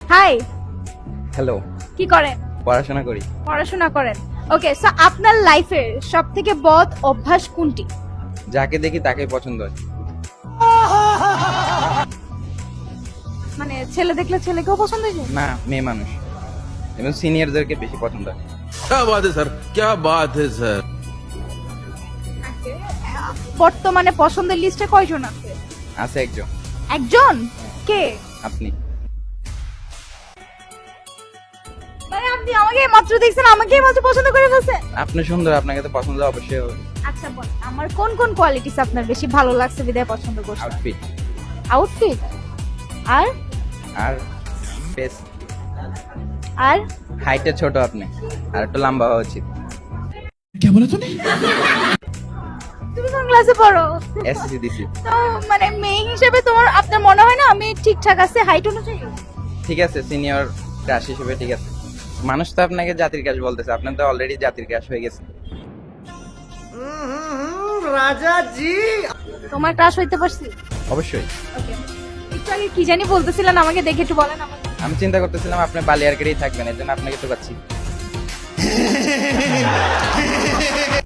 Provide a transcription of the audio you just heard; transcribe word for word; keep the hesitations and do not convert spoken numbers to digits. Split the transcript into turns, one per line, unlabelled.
High,
hello,
কি করেন?
পড়াশোনা করি।
পড়াশোনা করেন। ওকে, সো আপনার লাইফের সবথেকে বদ অভ্যাস কোনটি?
যাকে দেখি তাকেই পছন্দ হয়।
মানে ছেলে দেখলে ছেলেকেও পছন্দ হয়ে যায়?
না, মেয়ে মানুষ এবং সিনিয়রদেরকে বেশি পছন্দ হয়।
क्या बात है सर, क्या बात है सर।
বর্তমানে পছন্দের লিস্টে কয়জন আছে?
আছে একজন,
একজন? কে?
আপনি।
মানে আপনি আমাকে মাত্র দেখছেন, আমাকে মাত্র পছন্দ করে ফেলছেন?
আপনি সুন্দর, আপনাকে তো পছন্দ অবশ্যই হবে।
আচ্ছা বল, আমার কোন কোন কোয়ালিটিস আপনার বেশি ভালো লাগছে বিদায় পছন্দ করছেন?
আউটফিট
আউটফিট আর
আর ফেস।
আর
হাইটে ছোট আপনি, আর একটু লম্বা হওয়া উচিত।
তুমি কোন ক্লাসে পড়ো?
এসএসসি দিছি।
তো মানে মেয়ে হিসেবে তোমার আপনার মনে হয় না আমি ঠিকঠাক আছে হাইট অনুযায়ী?
ঠিক আছে, সিনিয়র ক্রাশ হিসেবে ঠিক আছে। মানুষ তো আপনাকে জাতির ক্রাশ বলতেছে, আপনার তো অলরেডি জাতির ক্রাশ হয়ে গেছে।
তোমার ক্রাশ হইতে পারছি?
অবশ্যই।
ওকে, একটু আগে কি জানি বলতেছিলেন, আমাকে দেখে একটু বলেন আমাকে।
আমি চিন্তা করতেছিলাম আপনি বালিয়ারকেটেই থাকবেন, এর জন্য আপনাকে তো পাচ্ছি।